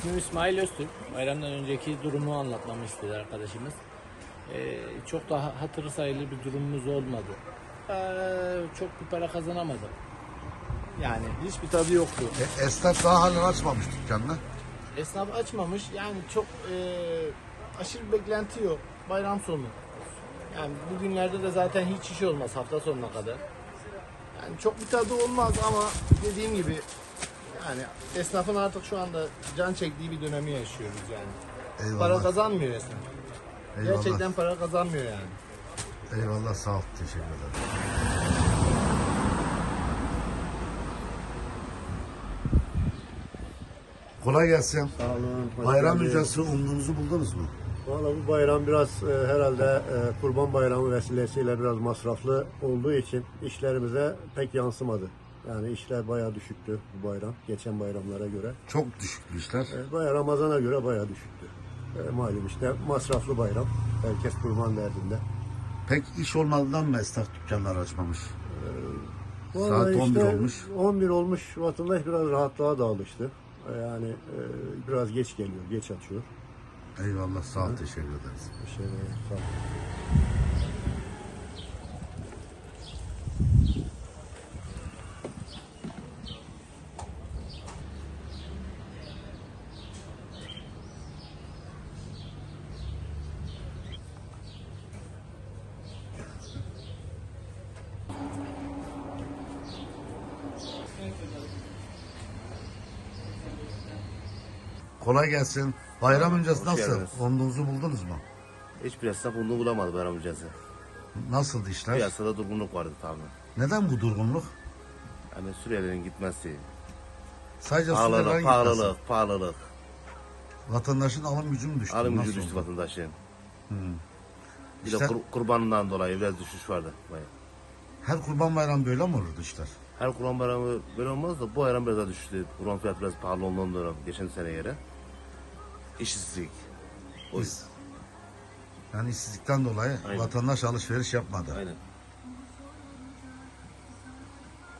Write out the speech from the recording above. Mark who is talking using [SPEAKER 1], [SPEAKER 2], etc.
[SPEAKER 1] İsmim İsmail Öztürk. Bayramdan önceki durumu anlatmamı istedi arkadaşımız. Çok da hatırı sayılır bir durumumuz olmadı. Çok bir para kazanamadım. Yani hiçbir tadı yoktu.
[SPEAKER 2] Esnaf daha halen açmamış dükkanını.
[SPEAKER 1] Esnaf açmamış. Yani çok aşırı beklenti yok. Bayram sonu. Yani bugünlerde de zaten hiç iş olmaz hafta sonuna kadar. Yani çok bir tadı olmaz ama dediğim gibi yani esnafın artık şu anda can çektiği bir dönemi yaşıyoruz yani.
[SPEAKER 2] Eyvallah.
[SPEAKER 1] Para kazanmıyor esnaf.
[SPEAKER 2] Eyvallah.
[SPEAKER 1] Gerçekten para kazanmıyor yani.
[SPEAKER 2] Eyvallah, sağ ol. Teşekkür ederim. Kolay gelsin.
[SPEAKER 3] Sağ olun. hoş
[SPEAKER 2] Bayram
[SPEAKER 3] geldiniz.
[SPEAKER 2] öncesi umduğunuzu buldunuz mu?
[SPEAKER 3] Vallahi bu bayram biraz herhalde Kurban Bayramı vesilesiyle biraz masraflı olduğu için işlerimize pek yansımadı. Yani işler bayağı düşüktü bu bayram, geçen bayramlara göre.
[SPEAKER 2] Çok düşüktü işler.
[SPEAKER 3] Bayağı Ramazan'a göre bayağı düşüktü. Malum işte masraflı bayram. Herkes kurban derdinde.
[SPEAKER 2] Pek iş olmadığından mı esnaf dükkanlar açmamış? Saat
[SPEAKER 3] Vallahi
[SPEAKER 2] 11
[SPEAKER 3] işte
[SPEAKER 2] olmuş.
[SPEAKER 3] 11 olmuş. Vatandaş biraz rahatlığa da alıştı. Yani biraz geç geliyor, geç açıyor.
[SPEAKER 2] Eyvallah, sağ ol. Teşekkür ederiz.
[SPEAKER 3] Bir şey değil, sağ olun.
[SPEAKER 2] Kolay gelsin. Bayram öncesi
[SPEAKER 4] Hoş
[SPEAKER 2] nasıl?
[SPEAKER 4] geldiniz.
[SPEAKER 2] Umduğunuzu buldunuz mu?
[SPEAKER 4] Hiçbir esnaf bunu bulamadı bayram öncesi.
[SPEAKER 2] Nasıldı işler?
[SPEAKER 4] Piyasada durgunluk vardı tabii.
[SPEAKER 2] Neden bu durgunluk?
[SPEAKER 4] Yani Suriyelilerin gitmesi,
[SPEAKER 2] Sadece
[SPEAKER 4] pahalılık,
[SPEAKER 2] Suriyelilerin gitmesi.
[SPEAKER 4] pahalılık.
[SPEAKER 2] Vatandaşın alım gücü mü düştü?
[SPEAKER 4] Alım
[SPEAKER 2] Nasıl
[SPEAKER 4] gücü düştü
[SPEAKER 2] oldu?
[SPEAKER 4] vatandaşın. Bir
[SPEAKER 2] İşte-
[SPEAKER 4] de kurbanından dolayı biraz düşüş vardı. Bayağı.
[SPEAKER 2] Her kurban bayramı böyle mi olurdu işler?
[SPEAKER 4] Her kurban bayramı böyle olmaz da bu bayram biraz daha düştü. Kurban fiyatı biraz pahalı olduğundan dolayı geçen seneye göre. İşsizlik. O yüzden.
[SPEAKER 2] Yani işsizlikten dolayı
[SPEAKER 4] Aynen.
[SPEAKER 2] vatandaş alışveriş yapmadı.
[SPEAKER 4] Aynen.